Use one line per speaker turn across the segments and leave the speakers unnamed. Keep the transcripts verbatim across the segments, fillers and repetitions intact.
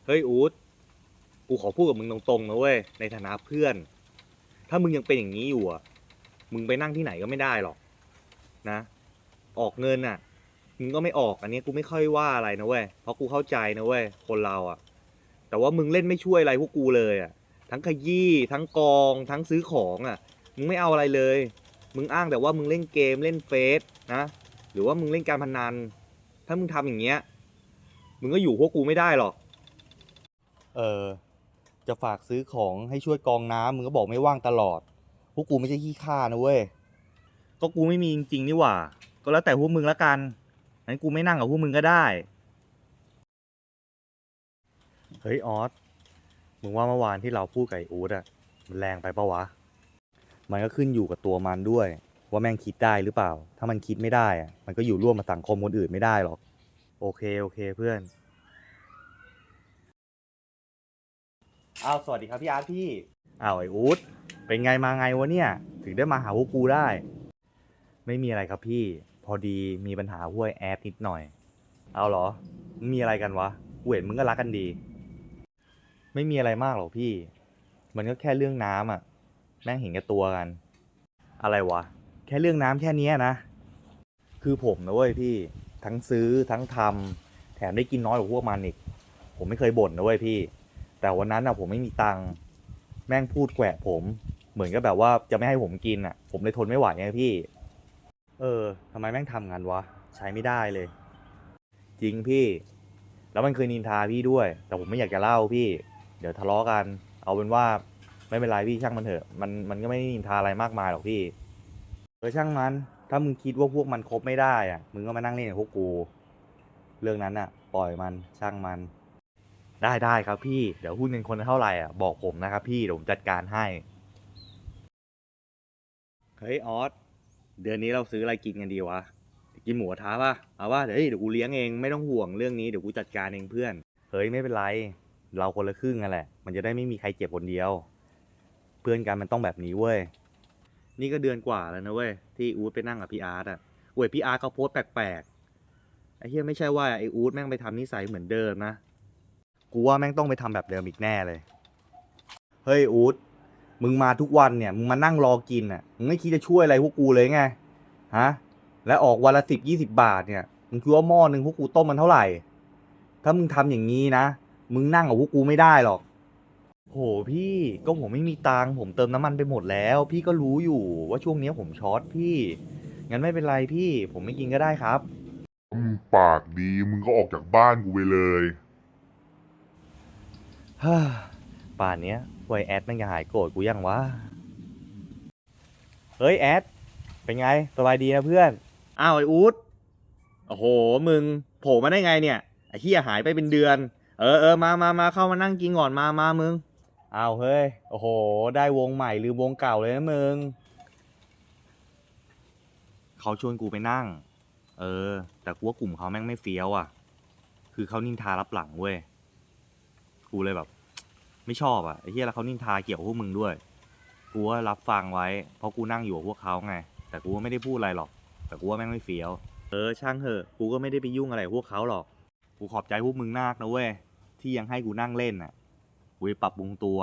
เฮ้ยอู๊ดกูขอพูดกับมึงตรงๆนะเว้ยในฐานะเพื่อนถ้ามึงยังเป็นอย่างนี้อยู่อ่ะมึงไปนั่งที่ไหนก็ไม่ได้หรอกนะออกเงินอ่ะมึงก็ไม่ออกอันนี้กูไม่ค่อยว่าอะไรนะเว้ยเพราะกูเข้าใจนะเว้ยคนเราอ่ะแต่ว่ามึงเล่นไม่ช่วยอะไรพวกกูเลยอ่ะทั้งขยี้ทั้งกองทั้งซื้อของอ่ะมึงไม่เอาอะไรเลยมึงอ้างแต่ว่ามึงเล่นเกมเล่นเฟซนะหรือว่ามึงเล่นการพนันถ้ามึงทำอย่างเงี้ยมึงก็อยู่พวกกูไม่ได้หรอก เออจะฝากซื้อของให้ช่วยกรองน้ำมึงก็บอกไม่ว่างตลอดพวกกูไม่ใช่ขี้ข้านะเว้ยก็กูไม่มีจริงๆนี่หว่าก็แล้วแต่พวกมึงละกันงั้นกูไม่นั่งกับพวกมึงก็ได้เฮ้ยออสมึงว่าเมื่อวานที่เราพูดกับไอ้อู๊ดอะมันแรงไปปะวะมันก็ขึ้นอยู่กับตัวมันด้วยว่าแม่งคิดได้หรือเปล่าถ้ามันคิดไม่ได้อะมันก็อยู่ร่วมกับสังคมคนอื่นไม่ได้หรอกโอเคโอเคเพื่อนอ้าวสวัสดีครับพี่อาร์ตพี่อ้าวไอ้อู๊ดเป็นไงมาไงวะเนี่ยถึงได้มาหาพวกกูได้ ไม่มีอะไรครับพี่พอดีมีปัญหาห้วยแอดนิดหน่อยเอาเหรอมีอะไรกันวะกูเห็นมึงก็รักกันดีไม่มีอะไรมากหรอกพี่มันก็แค่เรื่องน้ำอ่ะแม่งเห็นแก่ตัวกันอะไรวะแค่เรื่องน้ำแค่นี้นะคือผมนะเว้ยพี่ทั้งซื้อทั้งทำแถมได้กินน้อยกว่าพวกมันอีกผมไม่เคยบ่นนะเว้ยพี่แต่วันนั้นอ่ะผมไม่มีตังค์แม่งพูดแกวะผมเหมือนกับแบบว่าจะไม่ให้ผมกินอ่ะผมเลยทนไม่ไหวไงพี่ เออทำไมแม่งทำงานวะใช้ไม่ได้เลยจริงพี่แล้วมันเคยนินทาพี่ด้วยแต่ผมไม่อยากจะเล่าพี่เดี๋ยวทะเลาะกันเอาเป็นว่าไม่เป็นไรพี่ช่างมันเถอะมันมันก็ไม่ได้นินทาอะไรมากมายหรอกพี่เออช่างมันถ้ามึงคิดว่าพวกมันคบไม่ได้อะมึงก็มานั่งเล่นกับพวกกูเรื่องนั้นอะปล่อยมันช่างมันได้ได้ครับพี่เดี๋ยวหุ้นเงินคนละเท่าไหร่อ่ะบอกผมนะครับพี่เดี๋ยวผมจัดการให้เฮ้ยออสเดือนนี้เราซื้ออะไรกินกันดีวะ กินหมูกระทะป่ะเอาป่ะเดี๋ยวเดี๋ยวกูเลี้ยงเองไม่ต้องห่วงเรื่องนี้เดี๋ยวกูจัดการเองเพื่อนเฮ้ยไม่เป็นไรเราคนละครึ่งกันแหละมันจะได้ไม่มีใครเจ็บคนเดียวเพื่อนกันมันต้องแบบนี้เว้ยนี่ก็เดือนกว่าแล้วนะเว้ยที่อู๊ดไปนั่งกับพี่อาร์ตอ่ะเว้ยพี่อาร์ตเขาโพสต์แปลกๆไอ้เหี้ยไม่ใช่ว่าไอ้อู๊ดแม่งไปทำนิสัยเหมือนเดิมนะกูว่าแม่งต้องไปทำแบบเดิมอีกแน่เลยเฮ้ยอู๊ดมึงมาทุกวันเนี่ยมึงมานั่งรอกินอ่ะมึงไม่คิดจะช่วยอะไรพวกกูเลยไงฮะและออกวันละสิบยี่สิบบาทเนี่ยมึงคิดว่าหม้อหนึ่งพวกกูต้มมันเท่าไหร่ ถ้ามึงทำอย่างนี้นะ มึงนั่งกับพวกกูไม่ได้หรอกโหพี่ก็ผมไม่มีตังค์ผมเติมน้ำมันไปหมดแล้วพี่ก็รู้อยู่ว่าช่วงนี้ผมช็อตพี่งั้นไม่เป็นไรพี่ผมไม่กินก็ได้ครับ
มึงปากดีมึงก็ออกจากบ้านกูไปเลย
ฮ่าป่านเนี้ยไวแอดมันจะหายโกรธกูยังวะเฮ้ยแอดเป็นไงสบายดีนะเพื่อนอ้าวไอ้อู๊ดโอ้โหมึงโผล่มาได้ไงเนี่ยไอ้เหี้ยหายไปเป็นเดือนเออเออมามามาเข้ามานั่งกินก่อนมามามึงอ้าวเฮ้ยโอ้โหได้วงใหม่หรือวงเก่าเลยนะมึง เขาชวนกูไปนั่ง เออ แต่กูว่ากลุ่มเขาแม่งไม่เฟี้ยวอ่ะ คือเขานินทารับหลังเว้ย กูเลยแบบ ไม่ชอบอ่ะไอ้เหี้ยแล้วเขานินทาเกี่ยวกับพวกมึงด้วย กูว่ารับฟังไว้ เพราะกูนั่งอยู่กับพวกเขาไง แต่กูก็ไม่ได้พูดอะไรหรอก แต่กูว่าแม่งไม่เฟี้ยว เออช่างเถอะ กูก็ไม่ได้ไปยุ่งอะไรกับพวกเขาหรอก กูขอบใจพวกมึงมากนะเว้ย ที่ยังให้กูนั่งเล่นอ่ะ กูจะปรับปรุงตัว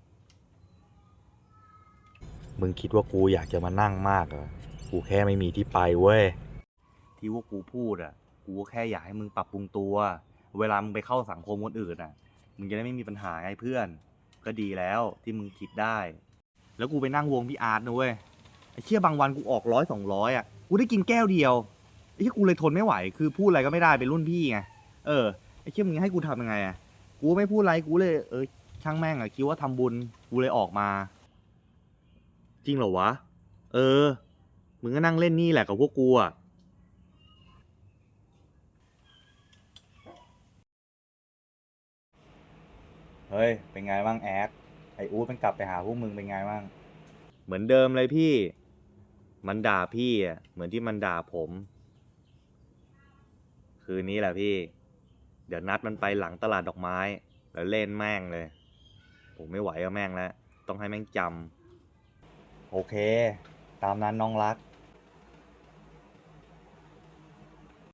มึงคิดว่ากูอยากจะมานั่งมากเหรอกูแค่ไม่มีที่ไปเว้ย ที่ว่ากูพูดอ่ะ กูแค่อยากให้มึงปรับปรุงตัว เวลามึงไปเข้าสังคมคนอื่นอ่ะ มึงจะได้ไม่มีปัญหาไงเพื่อน ก็ดีแล้วที่มึงคิดได้ แล้วกูไปนั่งวงพี่อาร์ตนะเว้ย ไอ้เชี่ยบางวันกูออกร้อยสองร้อยอ่ะ กูได้กินแก้วเดียว ไอ้เชี่ยกูเลยทนไม่ไหว คือพูดอะไรก็ไม่ได้เป็นรุ่นพี่ไง เออ ไอ้เชี่ยมึงให้กูทำยังไงอ่ะ กูไม่พูดอะไร กูเลยเออช่างแม่งอ่ะคิดว่าทำบุญ กูเลยออกมา จริงเหรอวะ เออ มึงก็นั่งเล่นนี่แหละกับพวกกูอ่ะ เฮ้ย เป็นไงบ้างแอดไออู๊ดมันกลับไปหาพวกมึงเป็นไงบ้างเหมือนเดิมเลยพี่ มันด่าพี่อ่ะ เหมือนที่มันด่าผม คืนนี้แหละพี่ เดี๋ยวนัดมันไปหลังตลาดดอกไม้ แล้วเล่นแม่งเลย ผมไม่ไหวกับแม่งแล้ว ต้องให้แม่งจำ โอเค ตามนั้นน้องรัก